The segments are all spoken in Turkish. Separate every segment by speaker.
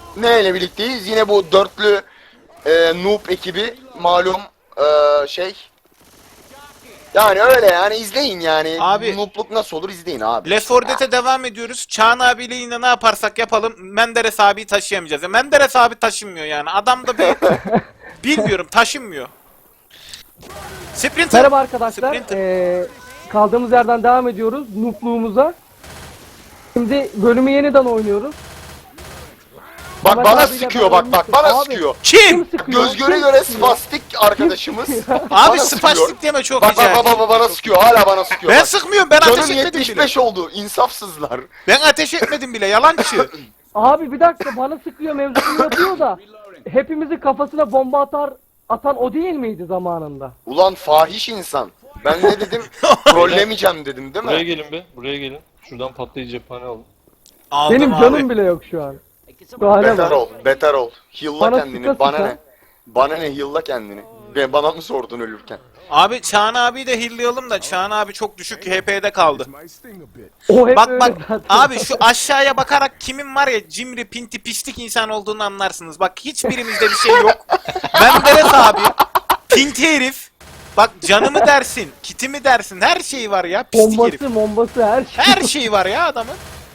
Speaker 1: Neyle birlikteyiz? Yine bu dörtlü noob ekibi malum şey. Yani öyle yani izleyin yani.
Speaker 2: Abi-
Speaker 1: Noobluk nasıl olur izleyin abi.
Speaker 2: Left 4 Dead'e devam ediyoruz. Çağan abiyle yine ne yaparsak yapalım Menderes abi taşıyamayacağız. Ya Menderes abi taşınmıyor yani. Adam da bir bilmiyorum taşınmıyor. Sprinter.
Speaker 3: Merhaba arkadaşlar.
Speaker 2: Sprinter.
Speaker 3: Kaldığımız yerden devam ediyoruz noob'luğumuza. Şimdi bölümü yeniden oynuyoruz.
Speaker 1: Bak
Speaker 3: Ahmet
Speaker 1: bana
Speaker 3: abiyle
Speaker 1: sıkıyor
Speaker 3: ben
Speaker 1: bak bana
Speaker 3: Abi,
Speaker 1: sıkıyor.
Speaker 2: Kim?
Speaker 3: sıkıyor?
Speaker 1: Göz göre
Speaker 3: Kim
Speaker 1: göre
Speaker 3: sıkıyor?
Speaker 1: spastik arkadaşımız.
Speaker 2: Abi
Speaker 1: bana sıkıyor.
Speaker 2: spastik deme çok
Speaker 1: Bak
Speaker 2: güzel.
Speaker 1: bana sıkıyor hala bana sıkıyor.
Speaker 2: Ben
Speaker 1: bak.
Speaker 2: sıkmıyorum ben
Speaker 1: Canım
Speaker 2: ateş etmedim bile.
Speaker 1: 75 oldu insafsızlar.
Speaker 2: Ben ateş etmedim bile yalancı.
Speaker 3: Abi bir dakika bana sıkıyor mevzusunu yapıyor da hepimizin kafasına bomba atan o değil miydi zamanında?
Speaker 1: Ulan fahiş insan. Ben ne dedim? Trollemeyeceğim dedim değil
Speaker 4: Buraya
Speaker 1: mi?
Speaker 4: gelin be. Buraya gelin. Şuradan patlayıcı cephane alın.
Speaker 2: Aldım
Speaker 3: Benim
Speaker 2: abi.
Speaker 3: canım bile yok şu an. Şu hale
Speaker 1: Beter
Speaker 3: bak.
Speaker 1: ol, beter ol. Heal'la
Speaker 3: Bana
Speaker 1: kendini.
Speaker 3: sıka
Speaker 1: Bana
Speaker 3: sıka.
Speaker 1: ne? Bana ne heal'la kendini? Bana mı sordun ölürken?
Speaker 2: Abi Çağan abiyi de hilllayalım da Çağan abi çok düşük HP'de kaldı.
Speaker 3: O hep
Speaker 2: Bak
Speaker 3: öyle
Speaker 2: bak
Speaker 3: zaten.
Speaker 2: abi şu aşağıya bakarak kimin var ya cimri pinti pislik insan olduğunu anlarsınız. Bak hiçbirimizde bir şey yok. Menderes abi pinti herif. Bak canımı dersin, kitimi dersin her şeyi var ya pislik herif.
Speaker 3: bombası her şey.
Speaker 2: Her şeyi var ya adamın.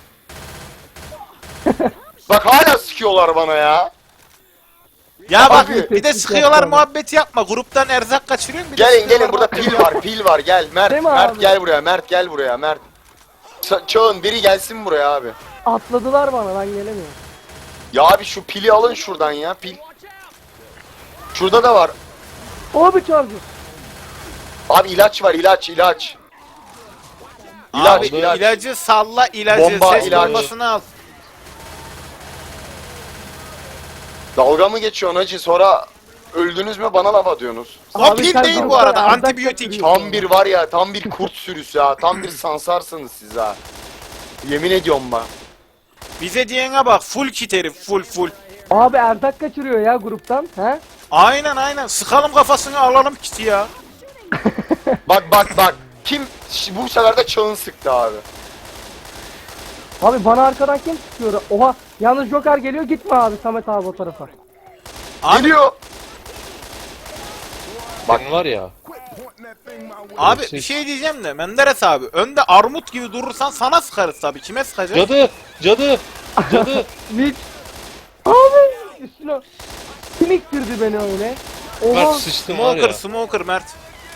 Speaker 1: Bak hala sıkıyorlar bana ya.
Speaker 2: Ya bak
Speaker 1: Abi,
Speaker 2: bir de
Speaker 3: teklif
Speaker 2: sıkıyorlar
Speaker 3: yapma.
Speaker 2: muhabbeti yapma. Gruptan erzak kaçırıyorsun bir de
Speaker 1: Gelin
Speaker 2: sıkıyorlar
Speaker 1: burada
Speaker 2: muhabbeti
Speaker 1: pil
Speaker 2: yapma.
Speaker 1: var, pil var. Gel Mert,
Speaker 3: Değil mi
Speaker 1: Mert
Speaker 3: abi?
Speaker 1: gel buraya, Mert gel buraya, Mert. Çağın biri gelsin buraya abi.
Speaker 3: Atladılar bana ben gelemiyorum.
Speaker 1: Ya abi şu pili alın şuradan ya, pil. Şurada da var.
Speaker 3: O bir charger.
Speaker 1: Abi ilaç var, ilaç.
Speaker 2: Abi
Speaker 1: ilaç.
Speaker 2: ilacı salla ilacı.
Speaker 1: Bomba,
Speaker 2: Ses
Speaker 1: ilaç.
Speaker 2: bombasını al.
Speaker 1: Dalga mı geçiyorsun hacı? Sonra öldünüz mü bana laf atıyorsunuz.
Speaker 2: O
Speaker 3: Abi
Speaker 2: pil
Speaker 3: sen
Speaker 2: değil bu
Speaker 3: bana
Speaker 2: arada
Speaker 3: erzak
Speaker 2: antibiyotik.
Speaker 3: götürüyorsun.
Speaker 1: Tam bir var ya, tam bir kurt sürüsü ha. Tam bir sansarsınız siz ha. Yemin ediyorum bak.
Speaker 2: Bize diyene bak full kit herif full.
Speaker 3: Abi erzak kaçırıyor ya gruptan. He?
Speaker 2: Aynen sıkalım kafasını alalım kiti ya.
Speaker 1: Bak. Kim? Bu sefer de Çağın sıktı abi.
Speaker 3: Abi bana arkadan kim sıkıyor? Oha yalnız Joker geliyor gitme abi Samet abi o tarafa.
Speaker 2: Abi,
Speaker 1: Geliyor.
Speaker 4: Bak var ya.
Speaker 2: abi bir şey diyeceğim de Menderes abi önde armut gibi durursan sana sıkarız tabii kime sıkacağız?
Speaker 4: Cadı.
Speaker 3: Hiç. Abi üstüne. Kim iktirdi beni öyle? Oha.
Speaker 4: Mert sıçtım var ya.
Speaker 2: Smoker Mert.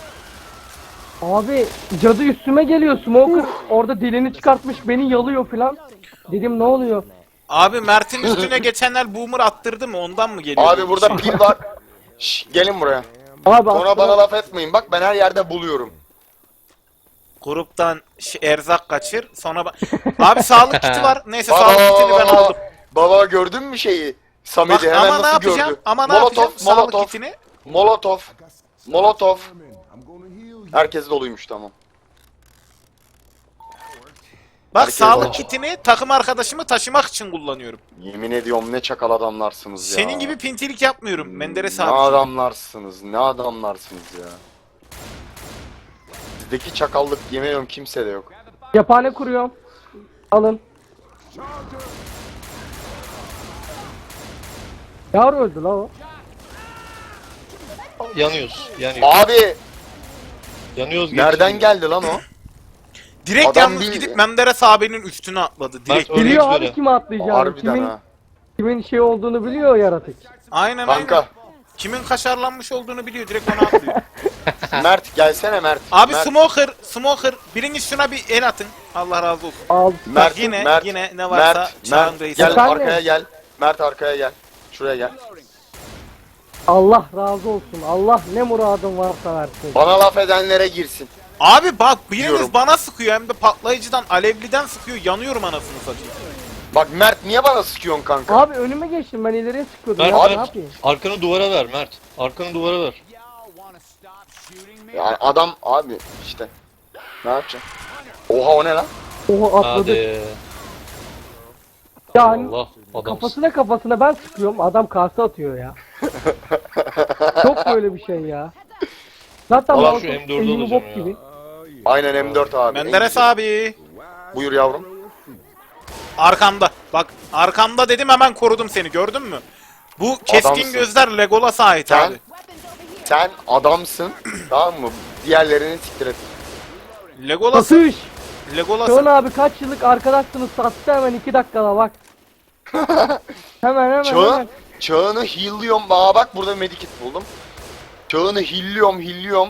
Speaker 3: Abi cadı üstüme geliyor Smoker. Orada dilini çıkartmış beni yalıyor filan. Dedim ne oluyor?
Speaker 2: Abi Mert'in üstüne geçenler boomer attırdı mı ondan mı geliyor?
Speaker 1: Abi burada pil var. Şş, gelin buraya.
Speaker 3: Abi
Speaker 1: Sonra
Speaker 3: aslında-
Speaker 1: bana laf etmeyin. Bak ben her yerde buluyorum.
Speaker 2: Gruptan erzak kaçır sonra abi sağlık kiti var. Neyse sağlık kitini ben aldım.
Speaker 1: Baba gördün mü şeyi? Samet'i
Speaker 2: Bak
Speaker 1: hemen
Speaker 2: ama ne
Speaker 1: nasıl
Speaker 2: yapacağım?
Speaker 1: gördü?
Speaker 2: Ama ne yapacağım? Sağlık
Speaker 1: Molotov,
Speaker 2: kitini.
Speaker 1: Molotov. Herkes doluymuş tamam.
Speaker 2: Bak
Speaker 1: Herkes
Speaker 2: sağlık
Speaker 1: alır.
Speaker 2: kitini takım arkadaşımı taşımak için kullanıyorum.
Speaker 1: Yemin ediyorum ne çakal adamlarsınız ya.
Speaker 2: Senin gibi pintilik yapmıyorum Menderes
Speaker 1: Ne
Speaker 2: abi.
Speaker 1: adamlarsınız, ne adamlarsınız ya. Sizdeki çakallık yemin ediyorum kimsede yok.
Speaker 3: Cephane kuruyorum. Alın. Yar öldü la o.
Speaker 4: Yanıyoruz.
Speaker 1: Abi
Speaker 4: Yanıyoruz.
Speaker 1: nereden
Speaker 4: geçin.
Speaker 1: geldi lan o?
Speaker 2: Direkt
Speaker 1: Adam
Speaker 2: yalnız
Speaker 1: bir-
Speaker 2: gidip Menderes abinin üstüne atladı. Direkt.
Speaker 4: Öyle
Speaker 3: Biliyor
Speaker 4: böyle.
Speaker 3: abi kime atlayacağını.
Speaker 1: Harbiden ha.
Speaker 3: Kimin şey olduğunu biliyor yaratık.
Speaker 2: Aynen.
Speaker 1: Kanka
Speaker 2: Kimin kaşarlanmış olduğunu biliyor. Direkt ona atlıyor.
Speaker 1: Mert gelsene Mert.
Speaker 2: Abi
Speaker 1: Mert,
Speaker 2: Smoker. Biriniz şuna bir el atın. Allah razı olsun.
Speaker 3: Al.
Speaker 1: Mert,
Speaker 2: yine-
Speaker 1: Mert,
Speaker 2: yine ne varsa
Speaker 1: Mert,
Speaker 2: Çağan
Speaker 1: Mert,
Speaker 2: Reis.
Speaker 1: gel
Speaker 3: Efendim?
Speaker 1: arkaya gel. Mert arkaya gel. Şuraya gel.
Speaker 3: Allah razı olsun. Allah ne muradın varsa versin.
Speaker 1: Bana laf edenlere girsin.
Speaker 2: Abi bak biriniz
Speaker 1: Diyorum.
Speaker 2: bana sıkıyor hem de patlayıcıdan alevliden sıkıyor. Yanıyorum anasını satayım.
Speaker 1: Bak Mert niye bana sıkıyorsun kanka?
Speaker 3: Abi önüme geçtim ben ileriye sıkıyordum
Speaker 4: Mert,
Speaker 3: ya ne
Speaker 4: Mert.
Speaker 3: yapayım?
Speaker 4: Arkanı duvara ver Mert. Arkanı duvara ver.
Speaker 1: Yani adam abi işte. Ne yapacaksın? Oha o ne lan?
Speaker 3: Oha atladı.
Speaker 4: Hadi.
Speaker 3: Yani
Speaker 4: Allah adam.
Speaker 3: kafasına ben sıkıyorum adam kase atıyor ya. Çok böyle bir şey ya. Zaten
Speaker 4: Allah
Speaker 3: Molotov
Speaker 4: şu M4'ü
Speaker 3: eğimi
Speaker 4: alacağım
Speaker 3: bok
Speaker 4: ya.
Speaker 3: gibi.
Speaker 1: Aynen M4 abi.
Speaker 2: Menderes
Speaker 1: En güzel.
Speaker 2: abi.
Speaker 1: Buyur yavrum.
Speaker 2: Arkamda. Bak arkamda dedim hemen korudum seni gördün mü? Bu keskin
Speaker 1: Adamsın.
Speaker 2: gözler Legolas'a ait
Speaker 1: Sen,
Speaker 2: abi.
Speaker 1: sen adamsın. Tamam mı? Diğerlerini siktir et.
Speaker 2: Legolas,
Speaker 3: Satış.
Speaker 2: Legolas.
Speaker 3: Şön abi kaç yıllık arkadaşsınız, sattı hemen 2 dakikada bak. Hemen.
Speaker 1: Çağını heal'lıyorum. Aa bak burada medikit buldum. Çağını heal'liyorum.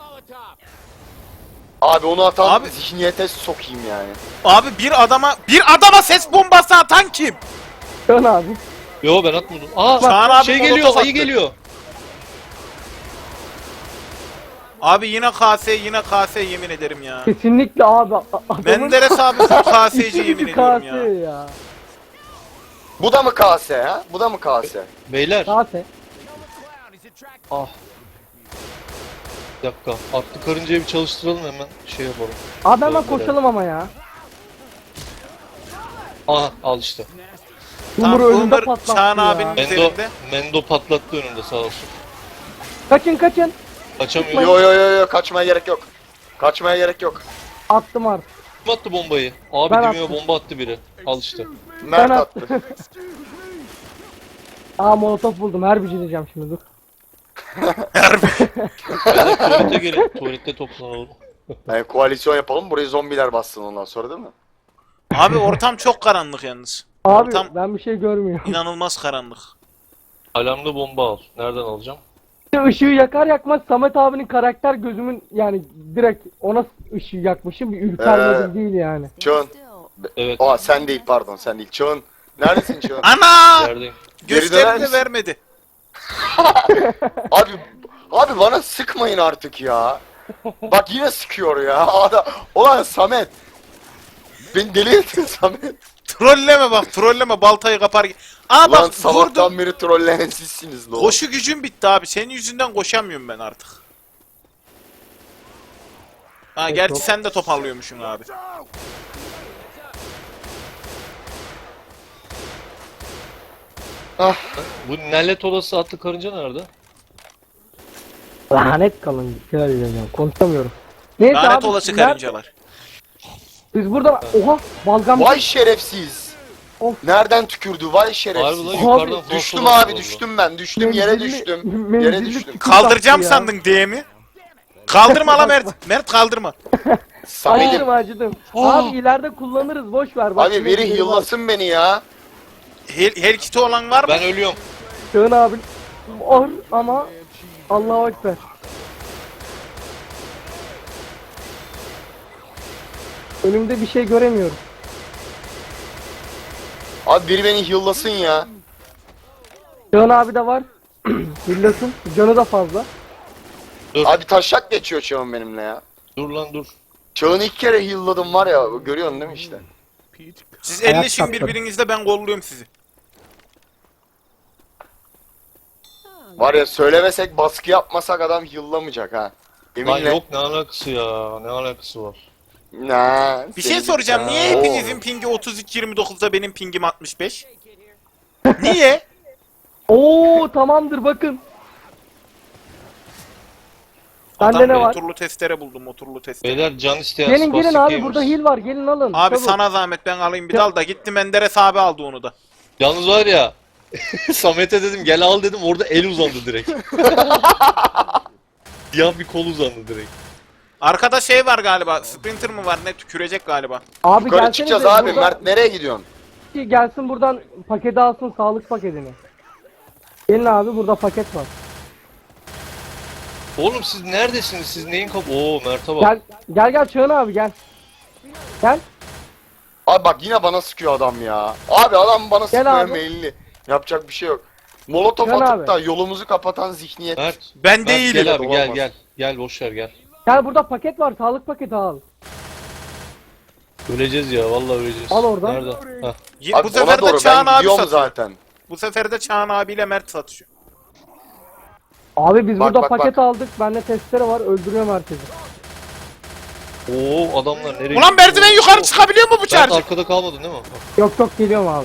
Speaker 1: Abi onu atan
Speaker 2: Abi-
Speaker 1: zihniyete sokayım yani.
Speaker 2: Abi bir adama ses bombası atan kim?
Speaker 3: Şön abi.
Speaker 4: Yo ben atmadım. Aa
Speaker 2: Çağan abi
Speaker 4: şey
Speaker 2: molotof
Speaker 4: geliyor,
Speaker 2: attı.
Speaker 4: ayı geliyor.
Speaker 2: Abi yine KS yemin ederim ya.
Speaker 3: Kesinlikle abi. Adamın
Speaker 2: Menderes abi full KS'ci
Speaker 3: işi
Speaker 2: yemin
Speaker 3: gücü
Speaker 2: ediyorum
Speaker 3: KS
Speaker 2: ya.
Speaker 3: ya.
Speaker 1: Bu da mı KS ha? Bu da mı KS?
Speaker 4: Beyler
Speaker 3: KS.
Speaker 4: bir dakika. Atlı karıncayı bir çalıştıralım hemen şey yapalım.
Speaker 3: Abi hemen
Speaker 4: Böyle.
Speaker 3: koşalım ama ya.
Speaker 4: Aha al işte.
Speaker 3: Yumru önünde
Speaker 2: Boomer
Speaker 3: patlattı
Speaker 2: Çağan
Speaker 3: ya.
Speaker 2: abinin
Speaker 4: Mendo,
Speaker 2: üzerinde.
Speaker 4: Mendo patlattı önünde sağ olsun.
Speaker 3: Kaçın.
Speaker 4: Kaçamıyor.
Speaker 1: Yo kaçmaya gerek yok. Kaçmaya gerek yok.
Speaker 3: Attım artık.
Speaker 4: Kim attı bombayı? Abi
Speaker 3: Ben
Speaker 4: dibime
Speaker 3: attım.
Speaker 4: bomba attı biri. Al işte.
Speaker 1: Mert
Speaker 3: Ben
Speaker 1: attı.
Speaker 3: attım. Aa molotof buldum. Her bir şey diyeceğim şimdi dur.
Speaker 4: Beyler tuvalete gelin. Tuvalette toplanalım.
Speaker 1: Yani koalisyon yapalım burayı zombiler bassın ondan sonra değil mi?
Speaker 2: Abi ortam çok karanlık yalnız.
Speaker 3: Abi
Speaker 2: Ortam
Speaker 3: ben bir şey görmüyorum.
Speaker 2: inanılmaz karanlık.
Speaker 4: Alarmlı bomba al. Nereden alacağım?
Speaker 3: Işığı yakar yakmaz Samet abinin karakter gözümün yani direkt ona ışığı yakmışım, bir ürpermedim değil yani.
Speaker 1: Çağın.
Speaker 4: Evet.
Speaker 1: Aa sen değil pardon sen değil. Çağın. Neredesin Çağın?
Speaker 2: Ana!
Speaker 4: Neredeyim?
Speaker 1: Geri döner
Speaker 2: Gösterini de
Speaker 1: misin?
Speaker 2: vermedi.
Speaker 1: Abi bana sıkmayın artık ya. Bak yine sıkıyor ya. Ulan Samet. Beni deli ettin Samet.
Speaker 2: Trolleme bak trolleme baltayı kapar. Aa
Speaker 1: Ulan
Speaker 2: bak
Speaker 1: sabahtan
Speaker 2: vurdum.
Speaker 1: beri trolleyen sizsiniz lan.
Speaker 2: Koşu gücüm bitti abi. Senin yüzünden koşamıyorum ben artık. Ha gerçi
Speaker 3: yok.
Speaker 2: sen de toparlıyormuşsun abi.
Speaker 4: Bu nellet olası atlı karınca nerede?
Speaker 3: Lanet kalın. Şöyle diyeceğim. Konuşamıyorum. Neyse
Speaker 2: Lanet
Speaker 3: abi,
Speaker 2: olası
Speaker 3: nerede-
Speaker 2: karıncalar.
Speaker 3: Biz burada oha balgam.
Speaker 1: Vay şerefsiz.
Speaker 3: Of.
Speaker 1: Nereden tükürdü vay
Speaker 4: Harbi
Speaker 1: şerefsiz.
Speaker 4: lan
Speaker 3: Abi,
Speaker 4: yukarıdan fosfor
Speaker 1: Düştüm
Speaker 4: atıyor
Speaker 1: abi
Speaker 4: valla.
Speaker 1: düştüm ben düştüm yere düştüm. Yere düştüm.
Speaker 2: Kaldıracağım
Speaker 3: ya.
Speaker 2: sandın diye mi? Kaldırma la Mert. Mert kaldırma.
Speaker 3: Acıdım
Speaker 1: Samet'im.
Speaker 3: acıdım. Abi ileride kullanırız boş ver. Bak,
Speaker 1: Abi
Speaker 3: yine
Speaker 1: biri
Speaker 3: biri var.
Speaker 1: yıllasın beni ya.
Speaker 2: Her kiti olan var mı?
Speaker 4: Ben ölüyorum.
Speaker 3: Şöyle abi. Or ama Allahu Ekber. Önümde bir şey göremiyorum.
Speaker 1: Abi biri beni yıllasın ya.
Speaker 3: Can abi de var. Billasın. Canı da fazla.
Speaker 1: Abi taşak geçiyor Çağın benimle ya.
Speaker 4: Dur lan dur.
Speaker 1: Çağın'ı 2 kere yılladım var ya görüyorsun değil mi işte.
Speaker 2: Siz
Speaker 3: Ayak
Speaker 2: elleşin
Speaker 3: tatları.
Speaker 2: birbirinizle ben kolluyorum sizi.
Speaker 1: Var ya söylemesek baskı yapmasak adam yıllamayacak ha.
Speaker 4: Lan
Speaker 1: Yeminle.
Speaker 4: yok ne alakası ya? Ne alakası var?
Speaker 1: Nah,
Speaker 2: Bir şey
Speaker 1: seni-
Speaker 2: soracağım. Niye
Speaker 1: Oo.
Speaker 2: hepinizin pingi 32-29'da benim pingim 65? Niye?
Speaker 3: Oo tamamdır bakın. Bende
Speaker 2: Adam
Speaker 3: ne var?
Speaker 2: motorlu testere buldum motorlu testere.
Speaker 4: Beyler can isteyen
Speaker 3: Gelin
Speaker 4: spastik
Speaker 3: abi
Speaker 4: gamers.
Speaker 3: burada heal var gelin alın.
Speaker 2: Abi
Speaker 3: Çabuk.
Speaker 2: sana zahmet ben alayım bir dal da gitti Menderes abi aldı onu da.
Speaker 4: Yalnız var ya. Samet'e dedim gel al dedim orada el uzandı direkt. Siyah bir kol uzandı direkt.
Speaker 2: Arkada şey var galiba. Sprinter mı var ne tükürecek galiba.
Speaker 3: Abi
Speaker 1: Yukarı
Speaker 3: gelsenize
Speaker 1: çıkacağız abi.
Speaker 3: burada-
Speaker 1: Mert nereye gidiyorsun?
Speaker 3: Gelsin buradan paketi alsın sağlık paketini. Gelin abi burada paket var.
Speaker 4: Oğlum siz neredesiniz? Siz neyin Oo Mert'e bak.
Speaker 3: Gel Çağın abi gel. Gel.
Speaker 1: Abi bak yine bana sıkıyor adam ya. Abi adam bana sıkmıyor
Speaker 3: abi.
Speaker 1: meyilli. Yapacak bir şey yok. Molotof
Speaker 3: Gel
Speaker 1: atıp
Speaker 3: abi.
Speaker 1: da yolumuzu kapatan zihniyet.
Speaker 4: Mert.
Speaker 2: Ben
Speaker 4: Mert,
Speaker 2: değilim.
Speaker 4: gel abi gel
Speaker 1: Olmaz.
Speaker 4: gel. Gel boş ver gel.
Speaker 3: Gel burada paket var sağlık paketi al.
Speaker 4: Öleceğiz ya vallahi öleceğiz.
Speaker 3: Al oradan.
Speaker 4: Nerede? Hah.
Speaker 1: Abi
Speaker 2: Bu
Speaker 1: ona
Speaker 2: sefer de
Speaker 1: doğru
Speaker 2: Çağan
Speaker 1: ben
Speaker 2: abi
Speaker 1: gidiyorum
Speaker 2: satıyor.
Speaker 1: zaten.
Speaker 2: Bu sefer de Çağan abiyle Mert satışıyor.
Speaker 3: Abi biz
Speaker 1: Bak,
Speaker 3: burada
Speaker 1: bak,
Speaker 3: paket
Speaker 1: bak.
Speaker 3: aldık. Bende testere var öldürüyorum herkesi.
Speaker 4: Oo adamlar nereye
Speaker 2: Ulan
Speaker 4: gidiyor?
Speaker 2: merdiven yukarı çıkabiliyor mu bu
Speaker 4: Mert
Speaker 2: çarcı?
Speaker 4: arkada kalmadın değil mi?
Speaker 3: Yok geliyorum abi.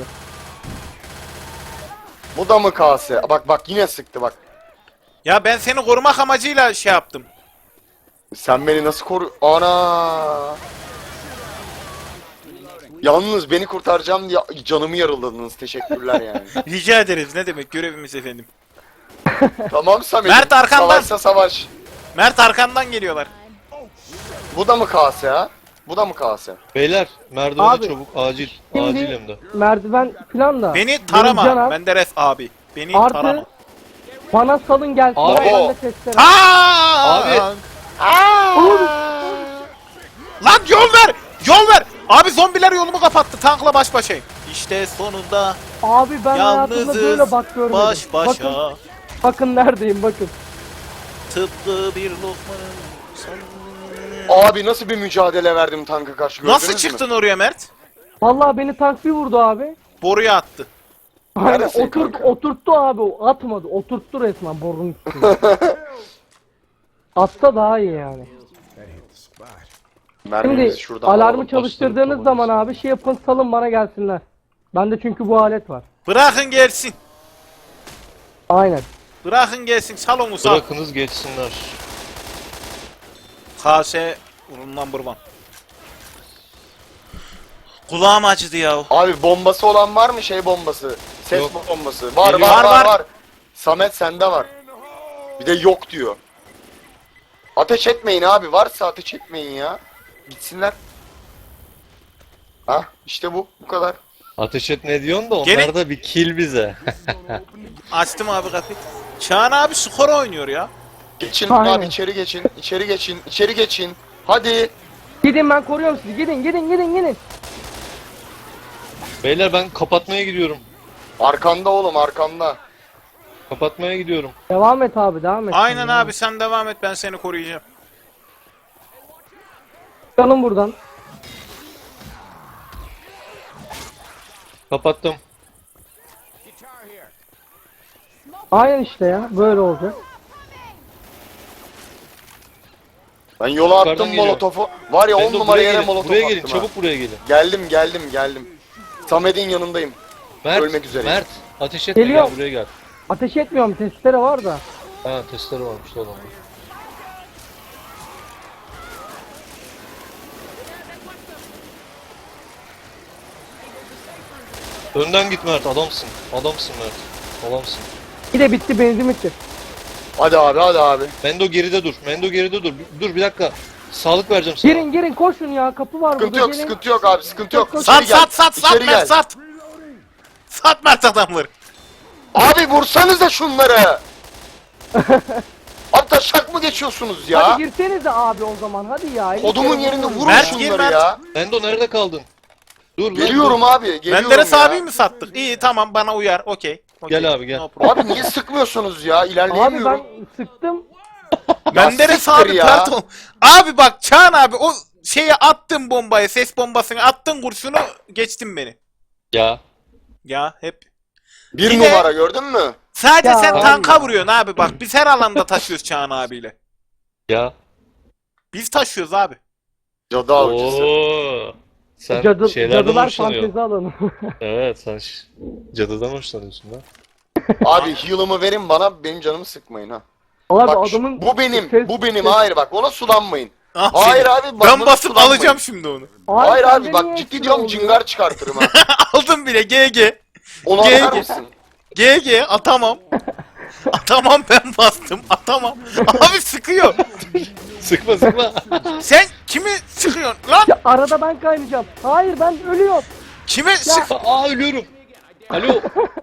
Speaker 1: Bu da mı kase? Bak yine sıktı bak.
Speaker 2: Ya ben seni korumak amacıyla şey yaptım.
Speaker 1: Sen beni nasıl koru... Ana! Yalnız beni kurtaracağım diye canımı yarıladınız. Teşekkürler yani.
Speaker 2: Rica ederiz. Ne demek görevimiz efendim.
Speaker 1: Tamam Samet.
Speaker 2: Mert arkandan.
Speaker 1: Savaşsa savaş.
Speaker 2: Mert arkandan geliyorlar.
Speaker 1: Bu da mı kase ha? Bu da mı kase?
Speaker 4: Beyler merdivene
Speaker 3: Abi,
Speaker 4: çabuk acil.
Speaker 3: şimdi-
Speaker 4: Acil hem de.
Speaker 3: Merdiven falan da.
Speaker 2: Beni
Speaker 3: Benim
Speaker 2: tarama.
Speaker 3: canım
Speaker 2: Menderes abi. Beni
Speaker 3: artı
Speaker 2: tarama.
Speaker 3: bana salın gelsin.
Speaker 4: Abi.
Speaker 3: Ben de testere.
Speaker 2: Abi. Lan yol ver! Yol ver! Abi zombiler yolumu kapattı. Tankla baş başayım. İşte sonunda
Speaker 3: Abi ben hayatımda
Speaker 2: yalnızız
Speaker 3: böyle bak görmedim.
Speaker 2: baş başa.
Speaker 3: Bakın, bakın neredeyim bakın.
Speaker 2: Tıpkı bir lokmanın son...
Speaker 1: Abi nasıl bir mücadele verdim tanka karşı gördünüz
Speaker 2: Nasıl
Speaker 1: mü?
Speaker 2: çıktın oraya Mert?
Speaker 3: Vallahi beni tank bir vurdu abi.
Speaker 2: Boruya attı.
Speaker 3: Aynen
Speaker 1: Neredesin kanka?
Speaker 3: oturttu abi, o atmadı. Oturttu resmen borunun üstüne. Atsa daha iyi yani.
Speaker 1: Mermimizi
Speaker 3: Şimdi
Speaker 1: şuradan
Speaker 3: alarmı
Speaker 1: alalım.
Speaker 3: çalıştırdığınız zaman abi şey yapın, salın bana gelsinler. Bende çünkü bu alet var.
Speaker 2: Bırakın gelsin.
Speaker 3: Aynen.
Speaker 2: Bırakın gelsin. Sal onu sal.
Speaker 4: Bırakınız geçsinler.
Speaker 2: KS number one. Kulağım acıdı ya.
Speaker 1: Abi bombası olan var mı şey bombası? Ses
Speaker 4: Yok.
Speaker 1: bombası. Var
Speaker 4: Geliyor.
Speaker 1: var
Speaker 2: Var,
Speaker 1: var
Speaker 2: var.
Speaker 1: var. Samet sende var. Bir de yok diyor. Ateş etmeyin abi. Varsa ateş etmeyin ya. Gitsinler. Ha işte bu kadar.
Speaker 4: Ateş et ne diyorsun da onlar
Speaker 2: Gene-
Speaker 4: da bir kill bize.
Speaker 2: Açtım abi kapıyı. Çağan abi skor oynuyor ya.
Speaker 1: Geçin
Speaker 3: Aynen.
Speaker 1: abi içeri geçin. İçeri geçin. İçeri geçin. Hadi.
Speaker 3: Gidin, ben koruyorum sizi. Gidin.
Speaker 4: Beyler ben kapatmaya gidiyorum.
Speaker 1: Arkanda oğlum arkanda.
Speaker 4: Kapatmaya gidiyorum.
Speaker 3: Devam et abi, devam et.
Speaker 2: Aynen abi sen devam et ben seni koruyacağım.
Speaker 3: Çıkalım buradan.
Speaker 4: Kapattım.
Speaker 3: Aynen işte ya, böyle olacak.
Speaker 1: Ben yola
Speaker 4: Yukarıdan
Speaker 1: attım
Speaker 4: geliyor.
Speaker 1: molotofu. Var ya 10
Speaker 4: Mendo,
Speaker 1: numara
Speaker 4: buraya
Speaker 1: yere
Speaker 4: gelin.
Speaker 1: molotof
Speaker 4: Buraya
Speaker 1: attım
Speaker 4: gelin.
Speaker 1: ha.
Speaker 4: Çabuk buraya gelin.
Speaker 1: Geldim. Samet'in yanındayım.
Speaker 4: Mert.
Speaker 1: Ölmek üzereyim.
Speaker 4: Mert. Ateş etme
Speaker 3: Geliyorum.
Speaker 4: gel buraya gel.
Speaker 3: Ateş etmiyorum, testere var da.
Speaker 4: Ha testleri varmış tamam. Önden git Mert adamsın. Adamsın Mert. Adamsın.
Speaker 3: Bir de bitti, benzin bitti.
Speaker 1: Hadi abi.
Speaker 4: Mendo geride dur. Mendo geride dur. Dur bir dakika. Sağlık vereceğim sana.
Speaker 3: Girin koşun ya, kapı var
Speaker 1: Sıkıntı
Speaker 3: burada,
Speaker 1: yok,
Speaker 3: gelin.
Speaker 1: sıkıntı yok abi, sıkıntı yok.
Speaker 2: Sat
Speaker 1: İçeri gel,
Speaker 2: sat
Speaker 1: içeri
Speaker 2: Mert
Speaker 1: gel.
Speaker 2: sat. Sat Mert adamları.
Speaker 1: Abi vursanıza şunları. Abi taşak mı geçiyorsunuz ya?
Speaker 3: Hadi girsenize abi o zaman, hadi ya. elli
Speaker 1: Kodumun
Speaker 3: kere
Speaker 1: yerinde
Speaker 3: vurun.
Speaker 1: vurun
Speaker 2: Mert,
Speaker 1: şunları
Speaker 2: gir Mert.
Speaker 1: ya.
Speaker 4: Mendo nerede kaldın? Dur lan,
Speaker 1: Geliyorum
Speaker 4: dur.
Speaker 1: abi, geliyorum
Speaker 2: Menderes
Speaker 1: ya.
Speaker 2: abiyi mi sattık? İyi tamam bana uyar. Okey.
Speaker 4: Gel abi, gel.
Speaker 2: No problem.
Speaker 1: Abi niye sıkmıyorsunuz ya?
Speaker 3: Abi
Speaker 1: İlerleyemiyorum.
Speaker 3: ben sıktım.
Speaker 2: Menderes
Speaker 1: siktir
Speaker 2: abi
Speaker 1: ya.
Speaker 2: pardon. Abi bak Çağan abi o şeye attın bombayı, ses bombasını attın kurşunu geçtin beni.
Speaker 4: Ya.
Speaker 2: Ya hep.
Speaker 1: Bir
Speaker 2: Bir de-
Speaker 1: numara gördün mü?
Speaker 2: Sadece
Speaker 3: Ya
Speaker 2: sen
Speaker 3: abi
Speaker 2: tanka
Speaker 3: ya.
Speaker 2: vuruyorsun abi bak. Biz her alanda taşıyoruz Çağan abiyle.
Speaker 4: Ya.
Speaker 2: Biz taşıyoruz abi.
Speaker 1: Cadı avcısı.
Speaker 4: Oo. Sen şeylerden
Speaker 3: Cadılar
Speaker 4: hoşlanıyorsun.
Speaker 3: fantezi alanı.
Speaker 4: Evet sen cadıdan hoşlanıyorsun lan.
Speaker 1: Abi heal'ımı verin bana, benim canımı sıkmayın ha.
Speaker 3: Abi
Speaker 1: Bak
Speaker 3: adamın
Speaker 1: bu benim,
Speaker 3: ses-
Speaker 1: bu benim.
Speaker 3: ses-
Speaker 1: Hayır bak ona sulanmayın.
Speaker 2: Ah,
Speaker 1: Hayır
Speaker 2: seni.
Speaker 1: abi, bak
Speaker 2: Ben
Speaker 1: buna
Speaker 2: basıp
Speaker 1: sulanmayın.
Speaker 2: alacağım şimdi onu.
Speaker 1: Hayır
Speaker 3: sende
Speaker 1: abi
Speaker 3: niye
Speaker 1: bak ciddi
Speaker 3: ekstra
Speaker 1: diyorum
Speaker 3: oluyor?
Speaker 1: cingar çıkartırım ha.
Speaker 2: Aldım bile GG.
Speaker 1: Onu
Speaker 2: Gel,
Speaker 1: atar
Speaker 2: gel.
Speaker 1: mısın?
Speaker 2: GG atamam. Atamam ben bastım atamam. Abi sıkıyor.
Speaker 4: Sıkma sıkma.
Speaker 2: Sen kimi sıkıyorsun lan?
Speaker 3: Ya arada ben kaynayacağım. Hayır, ben ölüyorum.
Speaker 2: Kime sık?
Speaker 4: Aa ölüyorum. Alo.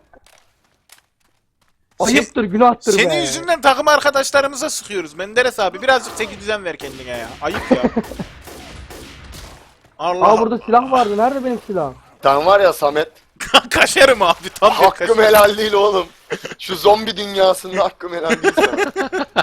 Speaker 3: Ayıptır, günahtır be.
Speaker 2: Senin yüzünden takım arkadaşlarımıza sıkıyoruz Menderes abi. Birazcık çeki düzen ver kendine ya. Ayıp ya. Allah
Speaker 3: Aa, burada silah vardı. Nerede benim silahım?
Speaker 1: Sen var ya Samet,
Speaker 2: kaşarım abi tam bir
Speaker 1: hakkım
Speaker 2: kaşarım.
Speaker 1: helal değil oğlum. Şu zombi dünyasında hakkım helal değil sana.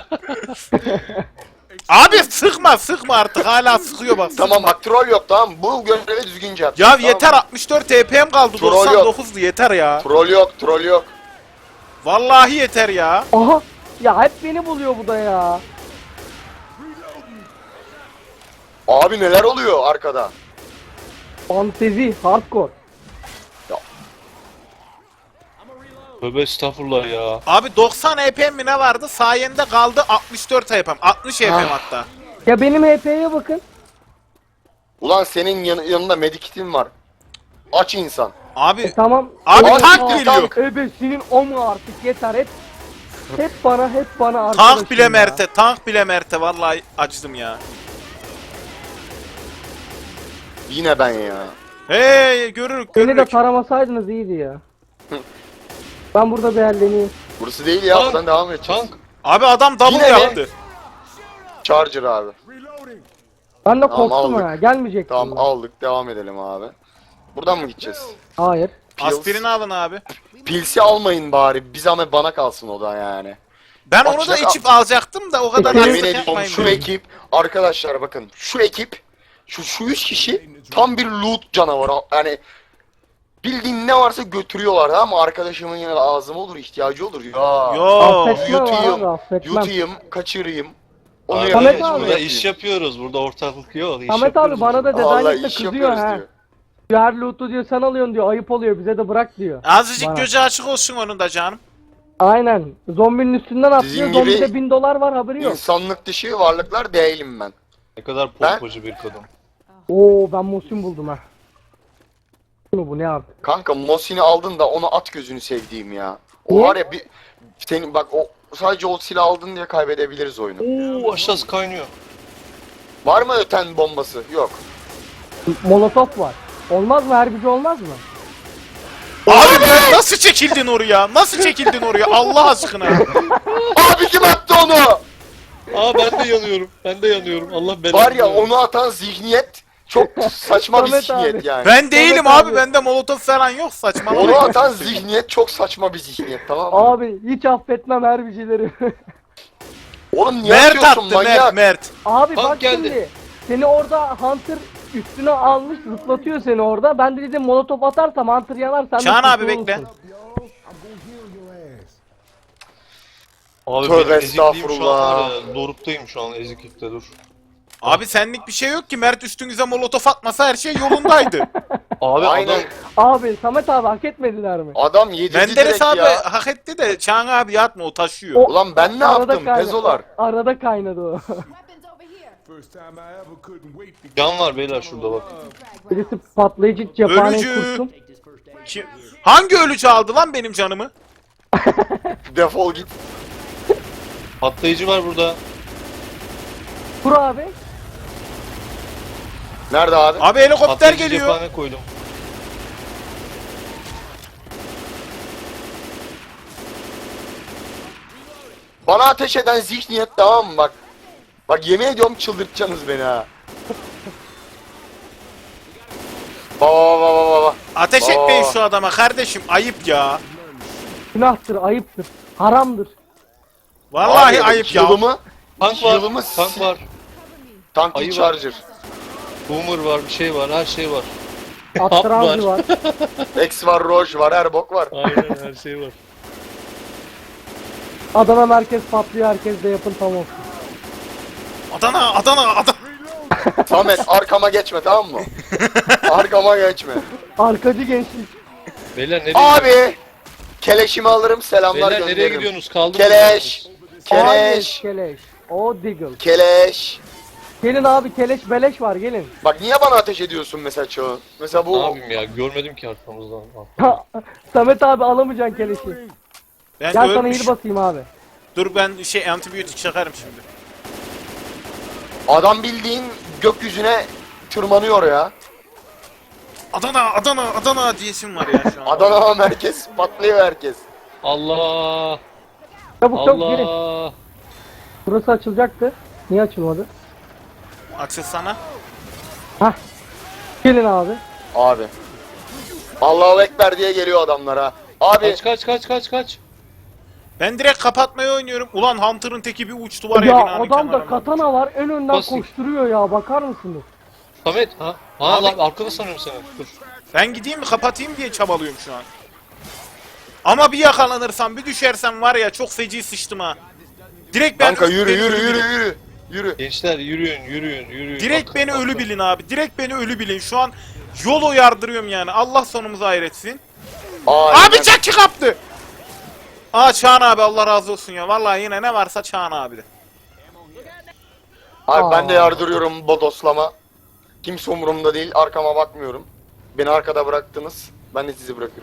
Speaker 2: Abi sıkma artık hala sıkıyor bak.
Speaker 1: Tamam bak troll yok, tamam, bu görevi düzgünce yap.
Speaker 2: Ya
Speaker 1: Tamam.
Speaker 2: yeter 64 TP'm kaldı
Speaker 1: Troll yok.
Speaker 2: 99'du yeter ya.
Speaker 1: Troll yok.
Speaker 2: Vallahi yeter ya.
Speaker 3: Aha. Ya hep beni buluyor bu da ya.
Speaker 1: Abi neler oluyor arkada?
Speaker 3: Fantezi, hardcore.
Speaker 4: Tövbe estağfurullah ya.
Speaker 2: Abi 90 HP'm mi ne vardı? Sayende kaldı 64 HP'm. 60 HP'm hatta.
Speaker 3: Ya benim HP'ye bakın.
Speaker 1: Ulan senin yanında medikitin var. Aç insan.
Speaker 2: Abi
Speaker 3: Tamam.
Speaker 2: Abi
Speaker 1: Abi,
Speaker 2: tank
Speaker 1: tank.
Speaker 2: geliyor.
Speaker 3: Ebesinin o mu artık yeter hep bana arkadaşım
Speaker 2: Tank bile
Speaker 3: ya.
Speaker 2: Mert'e, tank bile Mert'e vallahi acıdım ya.
Speaker 1: Yine ben ya.
Speaker 2: Hey görürük
Speaker 3: Beni de
Speaker 2: görürük.
Speaker 3: taramasaydınız iyiydi ya. Ben burada beğenleneyim.
Speaker 1: Burası değil ya.
Speaker 4: Tank.
Speaker 1: Buradan devam edeceğiz.
Speaker 4: Tank.
Speaker 2: Abi adam double
Speaker 1: Yine mi?
Speaker 2: yaptı.
Speaker 1: Charger abi.
Speaker 3: Ben de
Speaker 1: Tamam,
Speaker 3: korktum
Speaker 1: aldık.
Speaker 3: ha. Gelmeyecektim.
Speaker 1: Tamam
Speaker 3: ben.
Speaker 1: aldık. Devam edelim abi. Buradan mı gideceğiz?
Speaker 3: Hayır.
Speaker 1: Pils.
Speaker 2: Aspirini alın abi.
Speaker 1: Pilsi almayın bari. Bir zahmet bana kalsın o da yani.
Speaker 2: Ben
Speaker 1: Bak
Speaker 2: onu da
Speaker 1: şaka-
Speaker 2: içip alacaktım da o kadar
Speaker 3: Yemin
Speaker 1: Yemin
Speaker 2: haksızlık
Speaker 1: ediyorum
Speaker 2: yapmayın.
Speaker 1: şu ekip arkadaşlar bakın şu ekip şu 3 kişi tam bir loot canavarı yani bildiğin ne varsa götürüyorlar ama arkadaşımın yine lazım olur ihtiyacı olur ya.
Speaker 2: Yo.
Speaker 3: Affetmem
Speaker 1: yutayım,
Speaker 3: abi affetmem.
Speaker 1: Yutayım, kaçırayım. Onu
Speaker 4: Abi,
Speaker 1: yapayım,
Speaker 3: Samet
Speaker 1: bunu
Speaker 3: abi.
Speaker 4: Burada
Speaker 1: yapayım.
Speaker 4: iş yapıyoruz. Burada ortaklık yok. İş
Speaker 3: Ahmet abi
Speaker 4: yapıyoruz
Speaker 3: bana da
Speaker 4: burada.
Speaker 1: Vallahi
Speaker 3: Dedanet'te
Speaker 1: iş
Speaker 3: kızıyor
Speaker 1: yapıyoruz
Speaker 3: ha.
Speaker 1: diyor.
Speaker 3: Her loot'u diyor sen alıyorsun diyor ayıp oluyor bize de bırak diyor.
Speaker 2: Azıcık
Speaker 3: Bana.
Speaker 2: gözü açık olsun onun da canım.
Speaker 3: Aynen. Zombinin üstünden atlıyor.
Speaker 1: Sizin
Speaker 3: Zombide
Speaker 1: gibi
Speaker 3: $1000 var haberi yok.
Speaker 1: İnsanlık dışı varlıklar değilim ben.
Speaker 4: Ne kadar
Speaker 1: Ben-
Speaker 4: pompacı bir kadın.
Speaker 3: Oo ben Mosin buldum ha. Bu ne abi?
Speaker 1: Kanka Mosin'i aldın da onu at gözünü sevdiğim ya. O
Speaker 3: Niye?
Speaker 1: var ya bir senin bak o sadece o silah aldın diye kaybedebiliriz oyunu.
Speaker 4: Oo aşağısı kaynıyor.
Speaker 1: Var mı öten bombası? Yok.
Speaker 3: Molotof var. Olmaz mı? Herbici olmaz mı?
Speaker 2: Abi ben nasıl çekildin oraya? Nasıl çekildin oraya? Allah aşkına.
Speaker 1: Abi kim attı onu?
Speaker 4: Aa ben de yanıyorum. Ben de yanıyorum. Allah belanı.
Speaker 1: Var ya onu atan zihniyet çok saçma bir
Speaker 3: Samet
Speaker 1: zihniyet
Speaker 3: abi.
Speaker 1: yani.
Speaker 2: Ben değilim
Speaker 3: Evet
Speaker 2: abi.
Speaker 3: abi.
Speaker 2: Bende molotof falan yok saçmalama.
Speaker 1: Onu atan zihniyet çok saçma bir zihniyet tamam mı?
Speaker 3: Abi hiç affetmem herbicileri.
Speaker 1: Oğlum niye
Speaker 2: Mert
Speaker 1: atıyorsun
Speaker 2: attı
Speaker 1: manyak?
Speaker 2: Mert.
Speaker 3: Abi
Speaker 4: Tank
Speaker 3: bak
Speaker 4: geldi.
Speaker 3: şimdi. Seni orada Hunter üstüne almış zıplatıyor seni orada. Ben de dedim molotof atarsam Hunter yanar sen de
Speaker 2: Çağan abi
Speaker 3: kurtulursun.
Speaker 2: bekle.
Speaker 4: Abi
Speaker 1: Tövbe
Speaker 4: ben ezikliyim şu an
Speaker 1: estağfurullah.
Speaker 4: var ya. Doruk'tayım şu an eziklikte dur.
Speaker 2: Abi senlik bir şey yok ki. Mert üstünüze molotof atmasa her şey yolundaydı.
Speaker 4: Abi
Speaker 1: Aynen.
Speaker 4: adam
Speaker 3: Abi Samet abi hak etmediler mi?
Speaker 1: Adam yedirdi
Speaker 2: Menderes
Speaker 1: direkt
Speaker 2: abi
Speaker 1: ya.
Speaker 2: hak etti de Çağan abi yatma o taşıyor.
Speaker 3: O-
Speaker 1: Ulan ben ne yaptım pezolar?
Speaker 3: Arada kaynadı o.
Speaker 5: Weapons over here.
Speaker 6: First time I ever couldn't wait to
Speaker 4: can var beyler şurada bak.
Speaker 3: Birisi patlayıcı cephaneyi
Speaker 2: Ölücü.
Speaker 3: kurşun.
Speaker 2: Kim? Hangi ölücü aldı lan benim canımı?
Speaker 1: Defol git.
Speaker 4: Patlayıcı var burada.
Speaker 3: Kur abi.
Speaker 1: Nerede abi?
Speaker 2: Abi helikopter
Speaker 4: Patlayıcı
Speaker 2: geliyor.
Speaker 4: cephane koydum.
Speaker 1: Bana ateş eden zihniyet tamam mı bak. Bak yemin ediyorum çıldırtacaksınız beni ha. Baba baba baba.
Speaker 2: Ateş
Speaker 1: Aa.
Speaker 2: etmeyin şu adama kardeşim ayıp ya.
Speaker 3: Günahtır, ayıptır, haramdır.
Speaker 2: Vallahi ayıp ya.
Speaker 1: Yılımı,
Speaker 4: Tank var.
Speaker 1: yılımı
Speaker 4: Tank var.
Speaker 1: Tank
Speaker 4: Ayı var.
Speaker 1: Charger.
Speaker 4: Boomer var, bir şey var, her şey var.
Speaker 3: Attırancı var.
Speaker 1: X var, Roche var, her bok var.
Speaker 4: Aynen her şey var.
Speaker 3: Adana merkez patlıyor, herkes de yapın tam olsun.
Speaker 2: Adana Adana.
Speaker 1: Samet arkama geçme tamam mı? Arkama geçme.
Speaker 3: Arkacı gençlik.
Speaker 4: Beyler nereye
Speaker 1: Abi! Keleşimi alırım selamlar
Speaker 4: Beyler nereye
Speaker 1: gönderirim.
Speaker 4: gidiyorsunuz? Kaldınız.
Speaker 1: Keleş!
Speaker 3: Hayır,
Speaker 1: Keleş!
Speaker 3: keleş. O diggle.
Speaker 1: Keleş!
Speaker 3: Gelin abi keleş beleş var gelin.
Speaker 1: Bak niye bana ateş ediyorsun mesela Çağın? Mesela
Speaker 4: Ne
Speaker 1: bu
Speaker 4: yapayım ya? Görmedim ki arkamızdan.
Speaker 3: Samet abi alamayacaksın keleşi.
Speaker 2: Ben
Speaker 3: Gel sana
Speaker 2: ölmüş.
Speaker 3: heal basayım abi.
Speaker 2: Dur ben antibiyotik çakarım şimdi.
Speaker 1: adam bildiğin gökyüzüne tırmanıyor ya.
Speaker 2: Adana Adana Adana diyesim var ya şu an.
Speaker 1: Adana merkez patlıyor herkes.
Speaker 4: Allah!
Speaker 3: Çabuk çabuk girin.
Speaker 4: Allah!
Speaker 3: Burası açılacaktı. Niye açılmadı?
Speaker 2: Açılsana.
Speaker 3: Hah. Gelin abi.
Speaker 1: Abi. Allahu Ekber diye geliyor adamlara. Abi
Speaker 4: Kaç!
Speaker 2: Ben direkt kapatmayı oynuyorum. Ulan Hunter'ın teki bir uçtu var ya,
Speaker 3: Ya
Speaker 2: binanın
Speaker 3: adamda
Speaker 2: kenarına.
Speaker 3: katana var en önden
Speaker 4: Basın.
Speaker 3: koşturuyor ya bakar mısınız?
Speaker 4: Samet ha? Ha
Speaker 2: Abi-
Speaker 4: lan arkada sanıyorum seni. Dur.
Speaker 2: Ben gideyim mi kapatayım diye çabalıyorum şu an. Ama bir yakalanırsam bir düşersem var ya çok feci sıçtım ha. Direkt ben
Speaker 1: kanka yürü
Speaker 2: beni
Speaker 1: yürü
Speaker 2: ölü
Speaker 1: yürü
Speaker 2: bilin.
Speaker 1: yürü. Yürü.
Speaker 4: Gençler yürüyün.
Speaker 2: Direkt
Speaker 4: Bakın,
Speaker 2: beni
Speaker 4: bakın.
Speaker 2: ölü bilin abi. Direkt beni ölü bilin. Şu an yol yardırıyorum yani. Allah sonumuzu hayretsin.
Speaker 1: Aynen.
Speaker 2: Abi Jackie kaptı. Aa Çağan abi Allah razı olsun ya. Vallahi yine ne varsa Çağan abi de.
Speaker 1: Abi ben de
Speaker 3: Aa.
Speaker 1: yardırıyorum bodoslama. Kimse umurumda değil arkama bakmıyorum. Beni arkada bıraktınız. Ben de sizi bırakırım.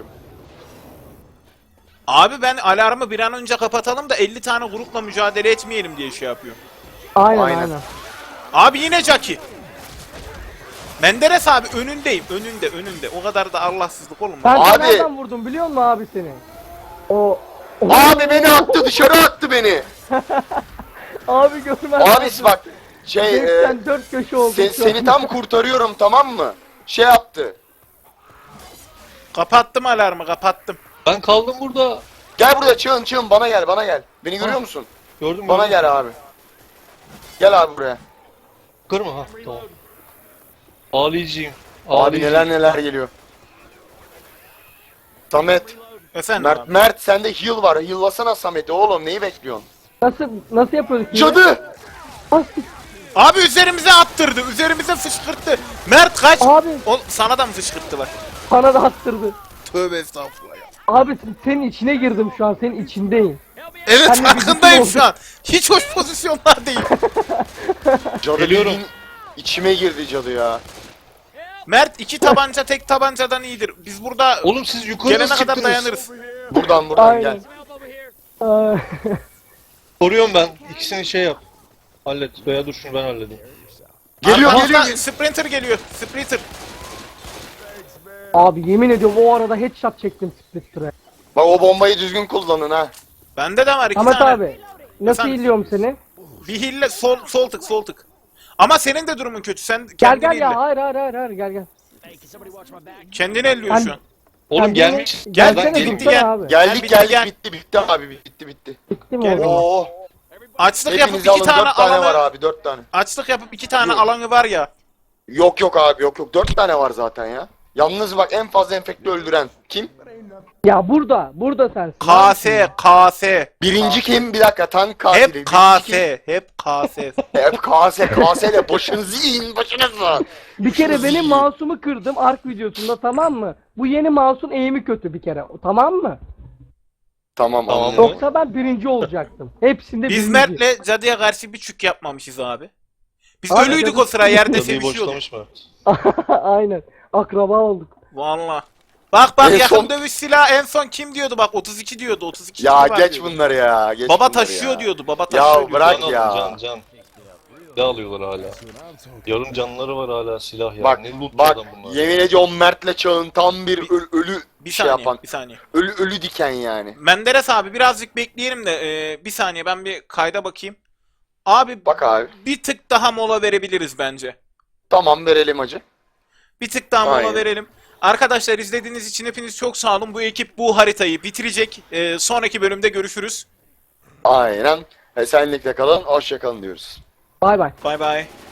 Speaker 2: Abi ben alarmı bir an önce kapatalım da 50 tane grupla mücadele etmeyelim diye şey yapıyorum.
Speaker 3: Aynen
Speaker 1: Aynen.
Speaker 3: aynen.
Speaker 2: Abi yine Jackie. Menderes abi önündeyim. Önünde. O kadar da Allahsızlık olma.
Speaker 3: Ben
Speaker 1: Abi.
Speaker 3: nereden vurdum biliyor musun abi seni? O
Speaker 1: Abi beni attı, dışarı attı beni.
Speaker 3: abi görmez.
Speaker 1: Abi bak şey
Speaker 3: Sen dört köşe oldun. şu an.
Speaker 1: seni tam kurtarıyorum, tamam mı? Şey yaptı.
Speaker 2: Kapattım alarmı kapattım.
Speaker 4: Ben kaldım burada.
Speaker 1: Gel buraya, çığın bana gel. Beni görüyor musun?
Speaker 4: Gördün mü?
Speaker 1: Bana gel abi. Gel abi buraya.
Speaker 4: Yukarı mı? Ha tamam. Ağlayacağım.
Speaker 1: Abi neler geliyor. Samet,
Speaker 2: Efendim
Speaker 1: Mert,
Speaker 2: abi.
Speaker 1: Mert sende heal var. Heal'lasana Samet'i oğlum, neyi bekliyorsun?
Speaker 3: Nasıl yapıyorduk? yine?
Speaker 1: Cadı!
Speaker 3: Ah,
Speaker 2: Abi üzerimize attırdı. Üzerimize fışkırttı. Mert kaç.
Speaker 3: Abi
Speaker 2: O, sana da mı fışkırttılar?
Speaker 3: bana da attırdı.
Speaker 2: Tövbe estağfurullah ya.
Speaker 3: Abi senin içine girdim şu an. Senin içindeyim.
Speaker 2: Evet
Speaker 3: Ben de
Speaker 2: farkındayım
Speaker 3: bizim
Speaker 2: şu an. Hiç hoş pozisyonlar değil.
Speaker 1: Cadı
Speaker 4: Geliyorum.
Speaker 1: bildiğin içime girdi cadı ya.
Speaker 2: Mert iki tabanca tek tabancadan iyidir. Biz burada
Speaker 4: Oğlum siz yukarı
Speaker 2: gelene
Speaker 4: nasıl
Speaker 2: kadar
Speaker 4: çıktınız?
Speaker 2: dayanırız.
Speaker 1: Buradan
Speaker 3: Aynen.
Speaker 1: gel.
Speaker 3: Ee,
Speaker 4: Soruyorum ben. İkisini şey yap. Hallet. Veya dur şunu ben halledeyim.
Speaker 1: Geliyor
Speaker 2: Arkamızdan
Speaker 1: geliyor.
Speaker 2: Sprinter geliyor. Sprinter.
Speaker 3: abi yemin ediyorum o arada headshot çektim Splitter'e.
Speaker 1: Bak o bombayı düzgün kullanın ha.
Speaker 2: Bende de var iki
Speaker 3: Ahmet
Speaker 2: tane.
Speaker 3: abi. Nasıl
Speaker 2: Efendim?
Speaker 3: iyiliyorum seni?
Speaker 2: Bir hille sol tık. Ama senin de durumun kötü. Sen
Speaker 3: Gel
Speaker 2: kendini
Speaker 3: gel ya.
Speaker 2: elle.
Speaker 3: Hayır gel.
Speaker 2: Kendini elliyor
Speaker 3: Ben-
Speaker 2: şu an.
Speaker 4: Oğlum
Speaker 3: Sen
Speaker 4: gelmiş.
Speaker 3: beni-
Speaker 2: Gel,
Speaker 3: Gelsene
Speaker 2: bitti,
Speaker 3: dursana
Speaker 2: gel.
Speaker 3: abi.
Speaker 1: Geldik
Speaker 2: bitti,
Speaker 1: geldik
Speaker 2: gel.
Speaker 1: bitti abi bitti.
Speaker 3: Bitti mi
Speaker 2: Gel.
Speaker 3: o zaman?
Speaker 1: Oo.
Speaker 2: Açlık yapıp
Speaker 1: Hepiniz
Speaker 2: iki
Speaker 1: alın,
Speaker 2: tane
Speaker 1: 4 tane
Speaker 2: alanı.
Speaker 1: var abi, 4 tane.
Speaker 2: Açlık yapıp iki tane
Speaker 1: Yok.
Speaker 2: alanı var ya.
Speaker 1: Yok abi yok 4 tane var zaten ya. Yalnız bak en fazla enfekte öldüren kim?
Speaker 3: Ya burada sensin.
Speaker 2: KS.
Speaker 1: Birinci kim? Bir dakika, tank katili.
Speaker 2: Hep
Speaker 1: Birinci
Speaker 2: KS.
Speaker 1: kim?
Speaker 2: Hep KS.
Speaker 1: Hep KS ile başınızı yiyin başınızı.
Speaker 3: Bir kere
Speaker 1: Başınızı
Speaker 3: benim
Speaker 1: yiyin.
Speaker 3: mouse'umu kırdım Ark videosunda, tamam mı? Bu yeni mouse'un eğimi kötü bir kere. Tamam mı?
Speaker 1: Tamam
Speaker 4: Tamam.
Speaker 1: anladım.
Speaker 3: Yoksa ben birinci olacaktım. Hepsinde
Speaker 2: Biz
Speaker 3: birinci.
Speaker 2: Mert'le cadıya karşı bir çük yapmamışız abi. Biz
Speaker 3: Aynen.
Speaker 2: ölüydük o sıra yerde
Speaker 4: Cadıyı
Speaker 2: sevişiyorduk.
Speaker 4: boşlamış mı?
Speaker 3: Aynen. Akraba olduk.
Speaker 2: Valla. Bak
Speaker 1: En
Speaker 2: yakın
Speaker 1: son-
Speaker 2: dövüş silahı en son kim diyordu bak 32 diyordu 32
Speaker 1: Ya
Speaker 2: kili var
Speaker 1: geç
Speaker 2: diyordu.
Speaker 1: bunları ya. Geç
Speaker 2: Baba
Speaker 1: bunları
Speaker 2: taşıyor
Speaker 1: ya.
Speaker 2: diyordu baba taşıyor diyordu.
Speaker 1: bırak
Speaker 4: Can
Speaker 1: ya.
Speaker 4: alın, can. Ne alıyorlar hala? Yarım canları var hala silah ya.
Speaker 1: Bak
Speaker 4: Ne loot
Speaker 1: bak
Speaker 4: adam bunlar.
Speaker 1: yemin ediyorum Mert'le Çağın tam bir ölü
Speaker 2: Bir
Speaker 1: şey
Speaker 2: saniye
Speaker 1: yapan.
Speaker 2: bir saniye.
Speaker 1: Ölü diken yani.
Speaker 2: Menderes abi birazcık bekleyelim de bir saniye ben bir kayda bakayım. Abi
Speaker 1: Bak abi.
Speaker 2: bir tık daha mola verebiliriz bence.
Speaker 1: Tamam verelim hacı.
Speaker 2: Bir tık daha mola
Speaker 1: Aynen.
Speaker 2: verelim. Arkadaşlar izlediğiniz için hepiniz çok sağ olun. Bu ekip bu haritayı bitirecek. Sonraki bölümde görüşürüz.
Speaker 1: Aynen. Esenlikle kalın. Hoşça kalın diyoruz.
Speaker 3: Bay bay.
Speaker 2: Bay bay.